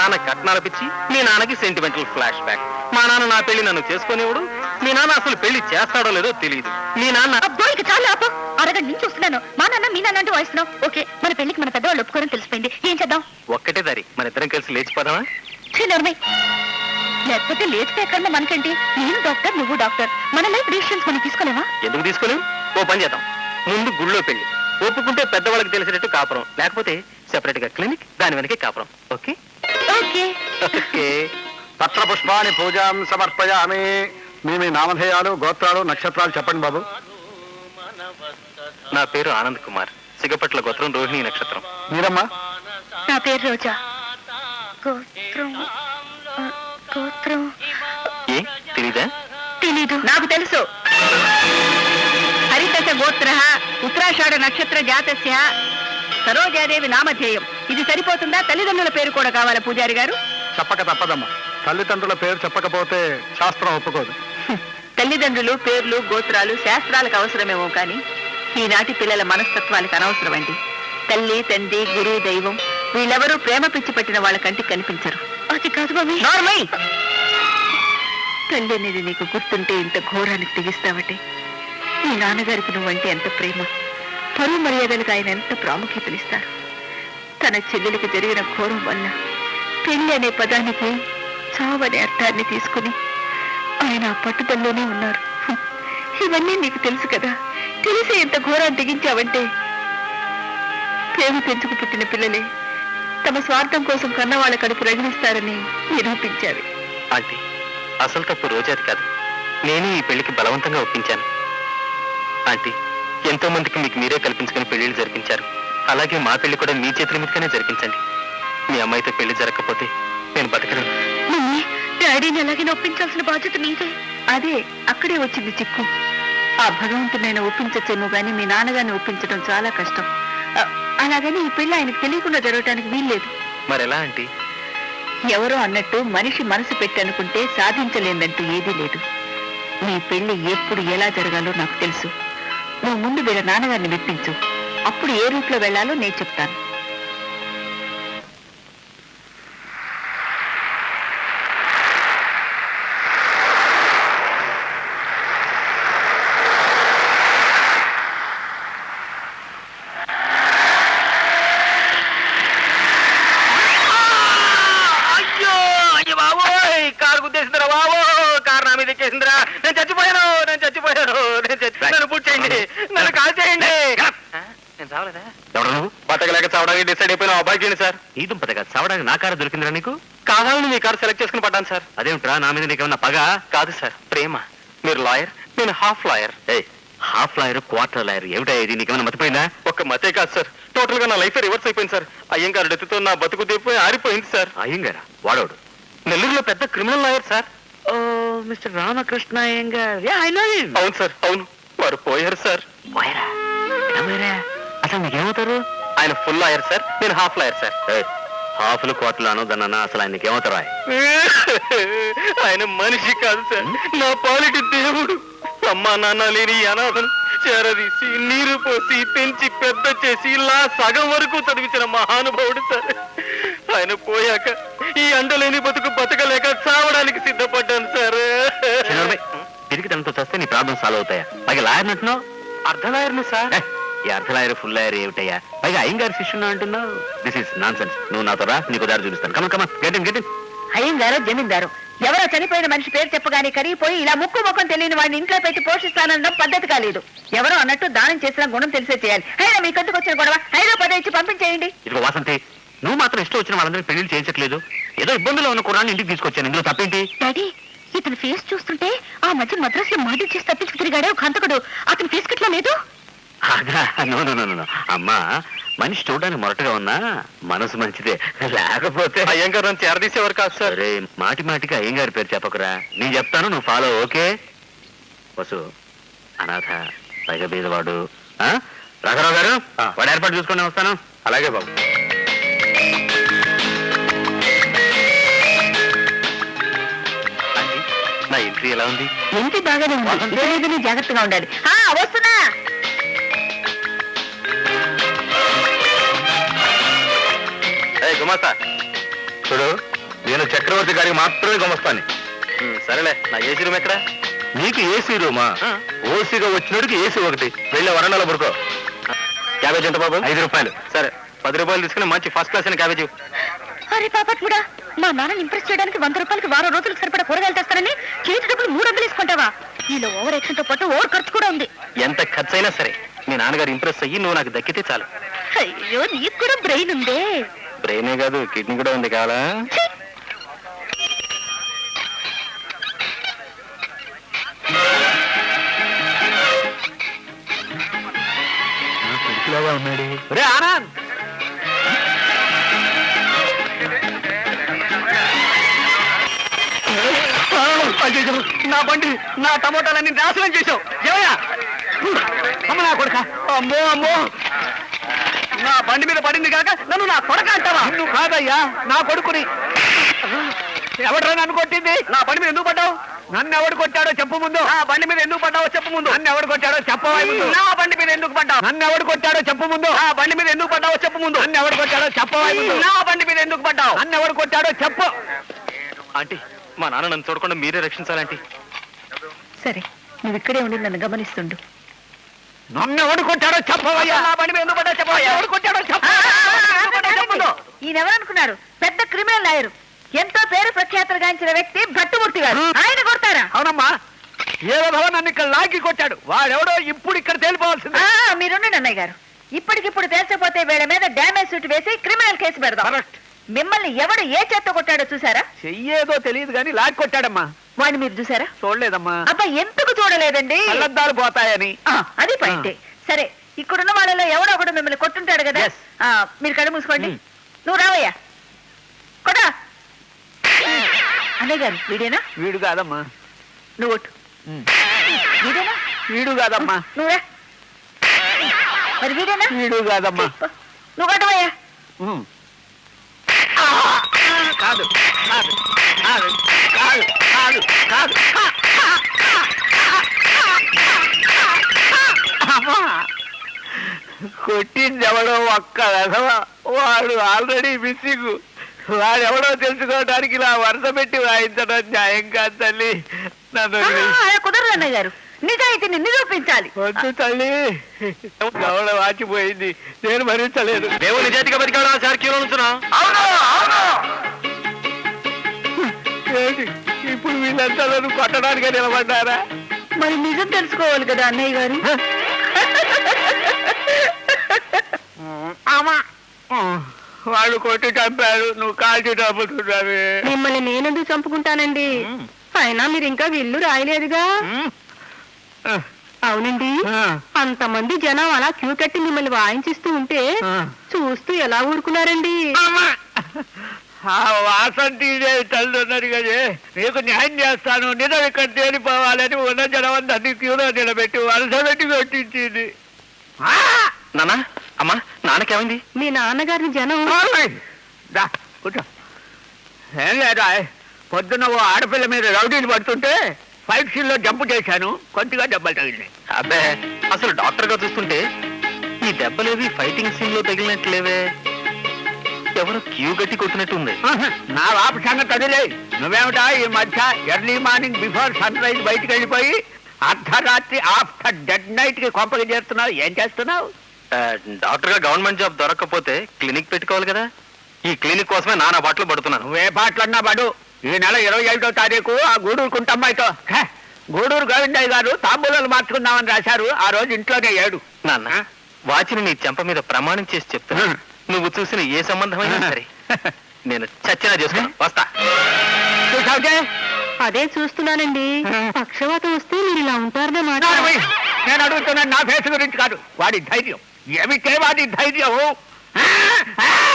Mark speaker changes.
Speaker 1: నాన్న కట్నాల పిచ్చి, మీ నాన్నకి సెంటిమెంటల్ ఫ్లాష్ బ్యాక్. మా నాన్న నా పెళ్లి నన్ను చేసుకునేవాడు, మీ నాన్న అసలు పెళ్లి చేస్తాడో లేదో తెలియదు. మీ నాన్న
Speaker 2: అబ్బాయికి చాలా ఆపు. అరగంట నుంచి చూస్తున్నాను, మా నాన్న మీ నాన్న అంటూ వాయిస్తున్నావు. ఓకే, మన పెళ్లికి మన పెద్దవాళ్ళు ఒప్పుకోవడం తెలిసిపోయింది, ఏం చేద్దాం?
Speaker 1: ఒక్కటే దారి, మన ఇద్దరం కలిసి లేచిపోదామా?
Speaker 2: లేకపోతే లేచితే ఎక్కడన్నా మనకేంటి? నేను డాక్టర్, నువ్వు డాక్టర్, మన లైఫ్ డిసిషన్స్ మనం తీసుకోలేమా?
Speaker 1: ఎందుకు తీసుకోలేం? ఓ పని చేద్దాం, ముందు గుళ్ళో పెళ్లి, ఒప్పుకుంటే పెద్దవాళ్ళకి తెలిసినట్టు కాపురం, లేకపోతే సెపరేట్ గా క్లినిక్, దాని వెనకే కాపురం. Okay
Speaker 2: okay
Speaker 1: okay.
Speaker 3: పత్ర పుష్పాన్ని పూజాం సమర్పయామి. మీ నామధేయాలు, గోత్రాలు, నక్షత్రాలు చెప్పండి బాబు.
Speaker 1: నా పేరు ఆనంద్ కుమార్, సిగపట్ల గోత్రం, రోహిణి నక్షత్రం.
Speaker 3: మీరమ్మా?
Speaker 2: నా పేరు రోజా, గోత్రం గోత్రం
Speaker 1: ఏ తెలీదా?
Speaker 2: తెలీదు.
Speaker 4: నాకు తెలుసు. హరితశ గోత్ర ఉత్తరాషాఢ నక్షత్ర జాతస్య సరోజాదేవి నామధేయం. ఇది సరిపోతుందా? తల్లిదండ్రుల పేరు కూడా కావాలా పూజారి గారు?
Speaker 3: చెప్పక తప్పదమ్మా. తల్లిదండ్రుల పేరు చెప్పకపోతే శాస్త్రం ఒప్పుకోదు.
Speaker 4: తల్లిదండ్రులు పేర్లు గోత్రాలు శాస్త్రాలకు అవసరమేమో కానీ ఈనాటి పిల్లల మనస్తత్వాలకు అనవసరమండి. తల్లి, తండ్రి, గురు, దైవం వీళ్ళెవరూ ప్రేమ పిచ్చి పట్టిన వాళ్ళ కంటికి కనిపించరు.
Speaker 2: అది కాదు మమ్మీ.
Speaker 4: నార్మల్. తల్లి అనేది నీకు గుర్తుంటే ఇంత ఘోరానికి తెగిస్తావటే. మీ నాన్నగారికి నువ్వంటే ఎంత ప్రేమ, పరువు మర్యాదలకు ఆయన ఎంత ప్రాముఖ్యతనిస్తారు. తన చెల్లెలకు జరిగిన ఘోరం వల్ల పెళ్లి అనే పదానికి చావనే అర్థాన్ని తీసుకుని ఆయన ఆ పట్టుదలలోనే ఉన్నారు. ఇవన్నీ నీకు తెలుసు కదా. తెలిసే ఎంత ఘోరాన్ని తెగించావంటే ప్రేమ పెంచుకు పుట్టిన పిల్లలే తమ స్వార్థం కోసం కన్నవాళ్ళ కడుపు రగిలిస్తారని నిరూపించారు.
Speaker 1: ఆంటీ, అసలు తప్పు రోజాది కాదు, నేనే ఈ పెళ్లికి బలవంతంగా ఒప్పించాను. ఆంటీ, ఎంతో మందికి మీకు మీరే కల్పించుకుని పెళ్లిళ్ళు జరిపించారు, అలాగే మా పెళ్లి కూడా మీ చేతుల మీదగానే జరిపించండి. మీ అమ్మాయితో పెళ్లి జరగకపోతే నేను బతకలేను.
Speaker 2: మమ్మీ, డాడీని ఎలాగే ఒప్పించాల్సిన బాధ్యత నీదే.
Speaker 4: అదే అక్కడే వచ్చింది చిక్కు. ఆ భగవంతునైనా ఒప్పించచ్చేమో గాని మీ నాన్నగారిని ఒప్పించడం చాలా కష్టం. అలాగని ఈ పెళ్లి ఆయనకు తెలియకుండా జరగటానికి వీల్లేదు.
Speaker 1: మరెలా ఆంటీ?
Speaker 4: ఎవరో అన్నట్టు మనిషి మనసు పెట్టి అనుకుంటే సాధించలేదంటూ ఏదీ లేదు. నీ పెళ్లి ఎప్పుడు ఎలా జరగాలో నాకు తెలుసు. నువ్వు ముందు వీళ్ళ నాన్నగారిని మెప్పించు, అప్పుడు ఏ రూట్లో వెళ్లాలో నేను చెప్తాను.
Speaker 1: నేను చచ్చిపోయాను, నేను చచ్చిపోయాను, నన్ను పూర్తి చేయండి, నన్ను కాల్ చేయండి. నేను చావలేదా? ఎవరు నువ్వు? బతకలేక చావడానికి డిసైడ్ అయిపోయిన అబ్బాయి చేయండి సార్. ఈ దుంపతగా చావడానికి నా కారు దొరికిందిరా నీకు? కావాలని మీ కారు సెలెక్ట్ చేసుకుని పడ్డాను సార్. అదేమిట్రా, నా మీద నీకేమన్నా పగ? కాదు సార్, ప్రేమ. మీరు లాయర్, నేను half lawyer. Half lawyer, quarter lawyer ఏమిటా ఇది? నీకేమన్నా మతిపోయిందా? ఒక్క మతే కాదు సార్, టోటల్ గా నా లైఫ్ రివర్స్ అయిపోయింది సార్. అయ్యంగారు డెత్తుతో నా బతుకు తెప్పిపోయి ఆరిపోయింది సార్. అయ్యంగారా? వాడోడు నెల్లూరులో పెద్ద క్రిమినల్ లాయర్ సార్. ఓ, మిస్టర్ రామకృష్ణ అయ్యంగార్. అవును సార్, అవును. వారు పోయారు సార్. అసలు మీకేమవుతారు? ఆయన ఫుల్ లాయర్ సార్, నేను హాఫ్ లాయర్ సార్. హాఫ్లు క్వార్టర్లు అనొద్దన్నా, అసలు ఆయనకి ఏమవుతారా? ఆయన మనిషి కాదు సార్, నా పాలిటి దేవుడు. అమ్మా నాన్న లేని అనాథను చేరదీసి నీరు పోసి పెంచి పెద్ద చేసి ఇలా సగం వరకు చదివించిన మహానుభావుడు సార్. ఆయన పోయాక ఈ అండలేని బతుకు బతకలేక చావడానికి సిద్ధపడ్డాను సార్. తిరిగి తనతో చస్తే నీ ప్రాబ్లమ్ సాల్వ్ అవుతాయా? పైగా లాయర్ అంటున్నావు? అర్ధ లాయర్ని సార్. ఈ అర్ధ లాయర్ ఫుల్ లాయర్ ఏమిటయ్యా? పైగా అయ్యంగారు శిష్యున్నా అంటున్నావు. This is nonsense. నువ్వు నాతో రా, నీకు దారి చూపిస్తాను. Come on come on, get in get in.
Speaker 4: అయ్యంగారో జమీందారు ఎవరో చనిపోయిన మనిషి పేరు చెప్పగానే కరిగిపోయి ఇలా ముక్కు ముఖం తెలియని వాడిని ఇంట్లో పెట్టి పోషిస్తానడం పద్ధతి కాలేదు. ఎవరో అన్నట్టు దానం చేసిన గుణం తెలిసే చేయాలి. అయినా మీ కందుకు వచ్చిన గొడవ 5 ఇచ్చి పంపించేయండి.
Speaker 1: ఇదిగో వాసంతి, నువ్వు మాత్రం ఇష్టం వచ్చిన వాళ్ళందరినీ పెళ్లి చేయించట్లేదు. ఏదో ఇబ్బందులు ఉన్న కుర్రాన్ని ఇంటికి తీసుకొచ్చాను, ఇందులో తప్పేంటి?
Speaker 2: డాడీ, ఇతని ఫేస్ చూస్తుంటే ఆ మధ్య మద్రాస్ లో మర్డర్ చేసి తప్పించుకు తిరిగాడే ఒక హంతకుడు. అతని ఫేస్ కిట్లా లేదు.
Speaker 1: అమ్మా, మనిషి చూడడానికి మొరటగా ఉన్నా మనసు మంచిదే, లేకపోతే అయ్యంగారు నన్ను చేరదీసేవారు కాదు సార్. రే, మాటి మాటికి అయ్యంగారి పేరు చెప్పకురా. నేను చెప్తాను, నువ్వు ఫాలో. ఓకే? వసు అనాథ, పైగా బీదవాడు. రాఘరావు గారు, వాడు ఏర్పాటు చూసుకొని వస్తాను. అలాగే బాబు. నా ఎంట్రీ ఎలా ఉంది?
Speaker 4: ఎంట్రీ బాగానే ఉంది, జాగ్రత్తగా ఉండాలి. వస్తున్నా.
Speaker 1: గుమాస్తా చూడు,
Speaker 3: నేను చక్రవర్తి గారికి మాత్రమే గమస్తాను.
Speaker 1: సరేలే, నా ఏసీ రూమ్ ఎక్కడ?
Speaker 3: నీకు ఏసీ రూమా? ఓసీగా వచ్చినోడికి ఏసీ ఒకటి. వెళ్ళే వరండాలో పడుకో.
Speaker 1: క్యాబేజ్ ఎంత బాబు?
Speaker 3: 5 రూపాయలు.
Speaker 1: సరే, 10 రూపాయలు తీసుకుని మంచి ఫస్ట్ క్లాస్ అయిన క్యాబేజ్.
Speaker 2: అరే పాపట్ముడా, మా నాన్నని ఇంప్రెస్ చేయడానికి 100 రూపాయలకి వారం రోజులకు సరిపడా కూరగాయలు తెస్తానని చేతి డబ్బులు 300 తీసుకుంటావా? ఈలో ఓవర్ యాక్షన్ తో పాటు ఓవర్ ఖర్చు కూడా ఉంది.
Speaker 1: ఎంత ఖర్చు అయినా సరే మీ నాన్నగారు ఇంప్రెస్ అయ్యి నువ్వు నాకు దక్కితే చాలు.
Speaker 2: అయ్యో, నీకు కూడా బ్రెయిన్ ఉందే.
Speaker 1: బ్రెయినే కాదు, కిడ్నీ కూడా ఉంది. కావాలా?
Speaker 2: ఛీ!
Speaker 3: ఉన్నాడు.
Speaker 1: రే ఆనంద్, నా బండి, నా టమోటాలన్నీ నాశనం చేశావు. ఏమయ్యా? అమ్మ నా కొడుక! అమ్మో అమ్మో, నా బండి మీద పడింది కాక నన్ను నా కొడక అంటావా? నువ్వు కాదయ్యా, నా కొడుకుని. ఎవడరా నన్ను కొట్టింది? నా బండి మీద ఎందుకు పడ్డావు? నన్ను ఎవడు కొట్టాడో చెప్పు ముందు. నా బండి మీద ఎందుకు పడ్డావో చెప్పు ముందు. నన్ను ఎవడు కొట్టాడో చెప్పవా ముందు. నా బండి మీద ఎందుకు పడ్డావు? నన్ను ఎవడు కొట్టాడో చెప్పు ముందు. నా బండి మీద ఎందుకు పడ్డావో చెప్పు ముందు. నన్ను ఎవడు కొట్టాడో చెప్పవా ముందు. నా బండి మీద ఎందుకు పడ్డావు? నన్ను ఎవడు కొట్టాడో చెప్పు. ఆంటీ, మా నాన్న నన్ను చూడకుండా మీరే రక్షించాలంటీ.
Speaker 4: సరే, నువ్వు ఇక్కడే ఉండి నన్ను గమనిస్తుండు.
Speaker 3: నన్ను ఎవడు కొట్టాడో చెప్పవయ్యా.
Speaker 1: నా బండి మీద ఎందుకు పడ్డావు చెప్పవయ్యా. ఎవడు కొట్టాడో చెప్పు.
Speaker 4: ఈయనెవరనుకున్నారు? పెద్ద క్రిమినల్ లాయరు, ఎంతో పేరు ప్రఖ్యాతులు గాంచిన వ్యక్తి భట్టుమూర్తి గారు. ఆయన కొడతారా?
Speaker 3: అవునమ్మా, ఏదో నన్ను ఇక్కడ లాగి కొట్టాడు. వాడెవడో ఇప్పుడు ఇక్కడ తేలిపోవాల్సింది.
Speaker 4: మీరుండండి అన్నయ్య గారు. ఇప్పటికిప్పుడు తేల్చపోతే వీళ్ళ మీద డ్యామేజ్ సూట్ వేసి క్రిమినల్ కేసు పెడదాం.
Speaker 3: కరెక్ట్.
Speaker 4: మిమ్మల్ని ఎవడు ఏ చేత్తో కొట్టాడో చూసారా?
Speaker 3: చెయ్యేదో తెలియదు కానీ లాగి కొట్టాడమ్మా.
Speaker 4: వాడిని మీరు చూసారా?
Speaker 3: చూడలేదమ్మా.
Speaker 4: అబ్బా, ఎందుకు చూడలేదండి?
Speaker 3: కళ్ళద్దాలు పోతాయని.
Speaker 4: అది పాయింటే. సరే, ఇక్కడున్న వాళ్ళలో ఎవడో ఒకడు మిమ్మల్ని కొట్టుంటాడు కదా.
Speaker 3: Yes.
Speaker 4: మీరు కళ్ళు మూసుకోండి. నువ్వు రావయ్యా, కొడా. అన్నయ్య గారు, వీడేనా?
Speaker 3: వీడు కాదమ్మా.
Speaker 4: నువ్వు ఒట్టు. వీడేనా?
Speaker 3: వీడు కాదమ్మా.
Speaker 4: నువ్వురా. మరి వీడేనా?
Speaker 3: వీడు కాదమ్మా.
Speaker 4: నువ్వు కొట్టవయ్యా.
Speaker 3: కాదు కాదు కాదు కాదు కాదు కాదు. అమ్మా, కొట్టింది ఎవడో ఒక్క రసవ. వాడు ఆల్రెడీ మిస్సింగ్. వాడెవడో తెలుసుకోవడానికి ఇలా వరుస పెట్టి వాయించడం న్యాయం కాదు తల్లి. నన్ను
Speaker 4: అలా కుదరదు అన్నయ్య గారు. నిజాయితీని నిరూపించాలి.
Speaker 3: వద్దు తల్లి, గౌడ వాచిపోయింది. నేను భరించలేదు.
Speaker 1: దేవుడు నిజాయితీగా బతికాడా సార్? క్యూలో నుంచున్నా?
Speaker 3: ఏంటి ఇప్పుడు వీళ్ళంతా నన్ను కొట్టడానికి నిలబడ్డారా?
Speaker 4: మరి నిజం తెలుసుకోవాలి కదా అన్నయ్య గారు.
Speaker 3: వాళ్ళు కొట్టి చంపారు, నువ్వు కాల్చి చంపుతున్నావే.
Speaker 4: మిమ్మల్ని నేనెందుకు చంపుకుంటానండి? అయినా మీరు ఇంకా విల్లు రాయలేదుగా. అవునండి, అంతమంది జనం అలా క్యూ కట్టి మిమ్మల్ని వాయించిస్తూ ఉంటే చూస్తూ ఎలా ఊరుకున్నారండి?
Speaker 3: ఆ వాసంతి తల్లున్నారు కదే, నీకు న్యాయం చేస్తాను, నిజం ఇక్కడ తేలిపోవాలని ఉన్న జనం అందరినీ క్యూలో నిలబెట్టి వలస పెట్టి కొట్టించింది.
Speaker 1: నాన్న, అమ్మా, నాన్నకేమైంది?
Speaker 4: మీ నాన్నగారిని జనం
Speaker 3: కూర్చో. ఏం లేదా, పొద్దున్న ఓ ఆడపిల్ల మీద రౌడీలు పడుతుంటే ఫైట్ సీన్ లో జంప్ చేశాను, కొద్దిగా దెబ్బలు తగిలినాయి.
Speaker 1: అబ్బే, అసలు డాక్టర్ గా చూస్తుంటే ఈ దెబ్బలేవి ఫైటింగ్ సీన్ లో తగిలినట్లేవే, ఎవరో క్యూ గట్టి కొట్టినట్టుంది.
Speaker 3: నా వాపు సంగతి అదిలే. నువ్వేమిటా ఈ మధ్య early morning before sunrise బయటికి వెళ్ళిపోయి అర్ధరాత్రి ఆఫ్టర్ డెడ్ నైట్ కి కొంపకి చేరుతున్నావు? ఏం చేస్తున్నావు?
Speaker 1: డాక్టర్ గా గవర్నమెంట్ జాబ్ దొరకకపోతే క్లినిక్ పెట్టుకోవాలి కదా. ఈ క్లినిక్ కోసమే నానా బాటలు పడుతున్నాను.
Speaker 3: నువ్వే పాటలన్నా పడు. ఈ నెల 25వ తారీఖు ఆ గూడూరు కుంటమ్మాయితో గూడూరు గోవిందయ్య గారు తాంబూలాలు మార్చుకుందామని రాశారు. ఆ రోజు ఇంట్లోనే ఏడు.
Speaker 1: నాన్న, వాచిని నీ చెంప మీద ప్రమాణం చేసి చెప్తున్నా, నువ్వు చూసిన ఏ సంబంధమైనా సరే నేను చచ్చినా చేసుకున్నా. వస్తా.
Speaker 3: చూసావుకే?
Speaker 4: అదే చూస్తున్నానండి. పక్షవాతం వస్తే మీరు ఇలా ఉంటారన్నమాట.
Speaker 3: నేను అడుగుతున్నాను నా ఫేస్ గురించి కాదు, వాడి ధైర్యం. ఏమిటే వాడి ధైర్యం?